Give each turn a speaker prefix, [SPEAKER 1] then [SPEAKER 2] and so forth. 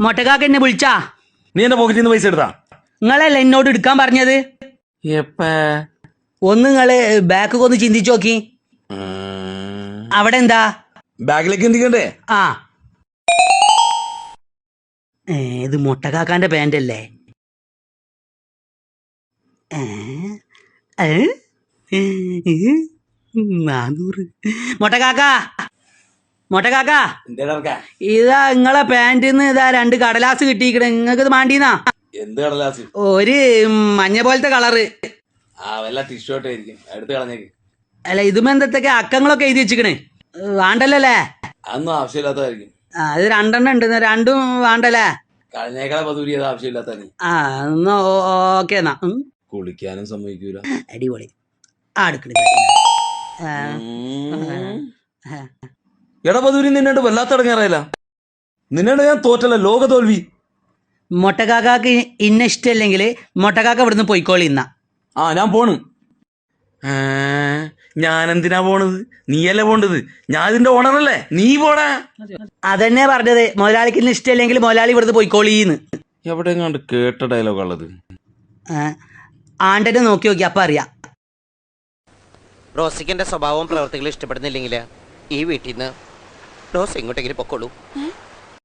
[SPEAKER 1] മൊട്ടക്കാക്ക എന്നെ വിളിച്ചാ?
[SPEAKER 2] നീ എന്റെ പോക്കറ്റിൽ നിന്ന് പൈസ എടുത്താ?
[SPEAKER 1] നിങ്ങളല്ല എന്നോട് എടുക്കാൻ പറഞ്ഞത്. ഒന്ന് നിങ്ങള് ബാക്ക് ഒന്ന് ചിന്തിച്ചു നോക്കി. അവിടെ എന്താ
[SPEAKER 2] ബാഗിലേക്ക് ചിന്തിക്കണ്ടേ?
[SPEAKER 1] ആ ഇത് മൊട്ടക്കാക്കാന്റെ പാന്റ് അല്ലേ? മൊട്ടക്കാക്ക ഇതാ നിങ്ങളെ പാന്റിന്ന് ഇതാ 2 കടലാസ് കിട്ടിയിക്കണ. നിങ്ങൾക്ക് ഇത് മാണ്ടീന്നാ?
[SPEAKER 2] എന്ത് കടലാസ്?
[SPEAKER 1] ഒരു മഞ്ഞ പോലത്തെ കളറ്.
[SPEAKER 2] എടുത്ത് കളഞ്ഞേക്ക്.
[SPEAKER 1] അല്ല ഇതും എന്തൊക്കെ അക്കങ്ങളൊക്കെ എഴുതി വെച്ചിക്കണേ. വേണ്ടല്ലേ?
[SPEAKER 2] അതൊന്നും ആവശ്യമില്ലാത്തതായിരിക്കും.
[SPEAKER 1] ഇത് 2 എണ്ണം ഉണ്ട്. 2ഉം വേണ്ടല്ലേ?
[SPEAKER 2] കളഞ്ഞേക്കാളെ പതുരി ആവശ്യമില്ലാത്ത.
[SPEAKER 1] എന്നാ ഓക്കെ എന്നാ.
[SPEAKER 2] കുളിക്കാനും സമ്മതിക്കൂല.
[SPEAKER 1] അടിപൊളി. അടുക്കള
[SPEAKER 2] എടാ പതുരി, നിന്നോട് വല്ലാത്ത ഇടങ്ങേറായില്ല. നിന്നോട് ഞാൻ തോറ്റല്ല, ലോക തോൽവി.
[SPEAKER 1] മൊട്ടക്കാക്ക് ഇന്ന ഇഷ്ടമല്ലെങ്കിൽ മൊട്ടക്കാക്ക ഇവിടുന്ന് പോയിക്കോളി. ഇന്ന
[SPEAKER 2] ഞാൻ പോണ്. ഞാനെന്തിനാ പോണത്? നീയല്ലേ പോണ്ടത്. ഞാൻ ഇതിന്റെ ഓണറല്ലേ, നീ പോടാ.
[SPEAKER 1] അതന്നെ പറഞ്ഞത്. മുതലാളിക്ക് ഇന്ന ഇഷ്ടമല്ലെങ്കിൽ മുതലാളി ഇവിടുന്ന് പോയിക്കോളീന്ന്.
[SPEAKER 2] എവിടെ കണ്ട് കേട്ട ഡയലോഗ് ഉള്ളത്?
[SPEAKER 1] ആണ്ടനെ നോക്കി നോക്കി അപ്പൊ അറിയാം.
[SPEAKER 3] റോസിക്ക് എന്റെ സ്വഭാവവും പ്രവർത്തികളും ഇഷ്ടപ്പെടുന്നില്ലെങ്കിൽ ഈ വീട്ടിൽ നിന്ന് റോസ് എങ്ങോട്ടെങ്കിലും പൊക്കോളൂ.